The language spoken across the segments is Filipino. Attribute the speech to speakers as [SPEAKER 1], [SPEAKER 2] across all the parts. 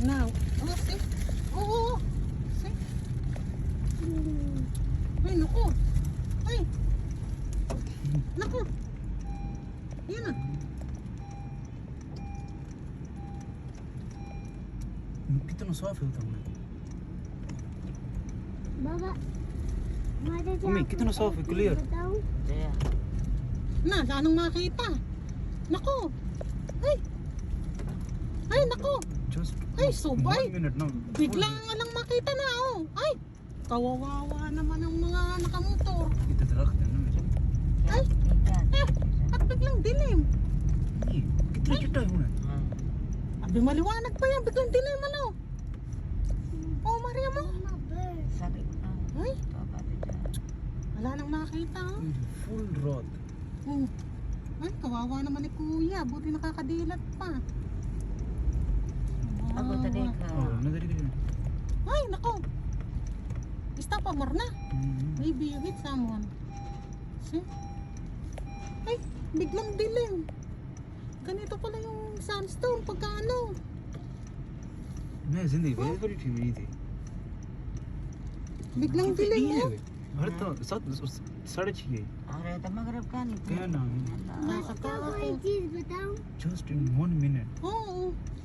[SPEAKER 1] Now. Oh, see? Oo. See? Ay, naku. Ay. Naku. Yan na.
[SPEAKER 2] कितना साफ है उतना
[SPEAKER 3] बाबा
[SPEAKER 2] मम्मी कितना साफ है clear
[SPEAKER 1] Na, anong makita? Naku. Ay. Ay, naku.
[SPEAKER 2] just
[SPEAKER 1] Ay, subay.
[SPEAKER 2] 1 minute now
[SPEAKER 1] Bigla nga lang makita na, oh. Ay. Kawawawa naman ang mga nakamotor.
[SPEAKER 2] इतना दरख्त है ना मेरे
[SPEAKER 1] Ay. At biglang dilim.
[SPEAKER 2] ये कितना चिट्टा है होना
[SPEAKER 1] Abi, maliwanag pa yan. Biglang dilim, ano? Oh, Maria mo. Ay. Wala nang makita, oh.
[SPEAKER 2] full rod
[SPEAKER 1] Oh. Ay, kawawa naman ni Kuya. Buti nakakadilat pa.
[SPEAKER 4] Ako tadi
[SPEAKER 2] oh another again
[SPEAKER 1] Ay, nako. Stop, Marna. Maybe you hit someone. See? Ay, biglang dilim. Ganito pala yung sandstorm pagka ano.
[SPEAKER 2] मैं जिंदगी में बड़ी थी मेरी थी
[SPEAKER 1] Biglang dilim mo.
[SPEAKER 2] हर तो 7:30
[SPEAKER 4] Are ta maghrib kan itu.
[SPEAKER 2] क्या नाम है
[SPEAKER 1] Nakakatakot.
[SPEAKER 3] कोई चीज बताऊं
[SPEAKER 2] just in 1 minute
[SPEAKER 1] Oo.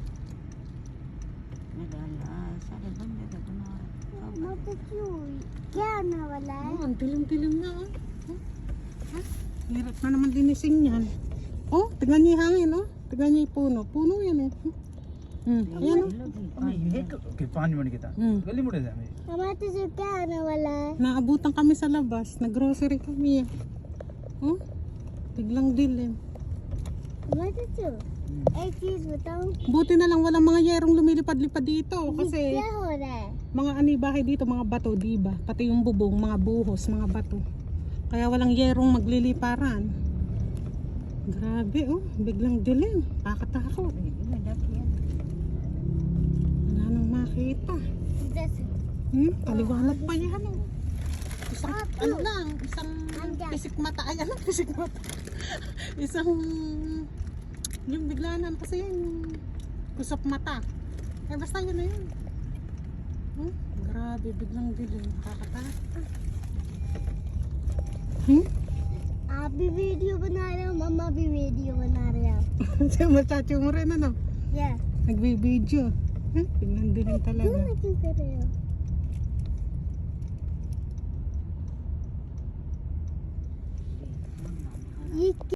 [SPEAKER 4] Nagala, sada banda ta kuna.
[SPEAKER 3] मत क्यों क्या आने वाला है
[SPEAKER 1] Oh, ang dilim-dilim na, oh. Oh. Hirap na naman linising yan. Oh, tignan niyo yung hangin, oh. Tignan niyo yung puno. Puno yan, oh. Ayan, oh.
[SPEAKER 2] Okay 5 minute की था गली मुड़े थे हमें
[SPEAKER 3] हमारे तुझे क्या आने वाला है
[SPEAKER 1] Naabutan kami sa labas. Nag-grocery kami, oh. Biglang dilim.
[SPEAKER 3] हमारे तुझे एक चीज बताऊं
[SPEAKER 1] Buti na lang walang mga yerong lumilipad-lipad dito. Kasi
[SPEAKER 3] क्या हो रहा है
[SPEAKER 1] mga anibahay dito, mga bato, diba? Pati yung bubong, mga buhos, mga bato. Kaya walang yerong magliliparan. Grabe, oh. Biglang dilim. Kakatakot. Wala nang makita.
[SPEAKER 3] जैसे
[SPEAKER 1] Paliwanag pa yan, oh. Isang, ano lang, isang
[SPEAKER 3] Andyan.
[SPEAKER 1] pisik mata. Ay, ano, pisik mata. Isang, yung biglanan kasi yung kusap mata. Eh, basta yun na yun. Grabe, biglang dilim. Nakakatakot.
[SPEAKER 3] आप भी वीडियो बना रहे हो मम्मा भी वीडियो बना रहे हो
[SPEAKER 1] Siya machacho mo rin, ano?
[SPEAKER 3] या
[SPEAKER 1] Nagbibideo. Biglang dilim talaga.
[SPEAKER 3] क्यों कर रहे हो ये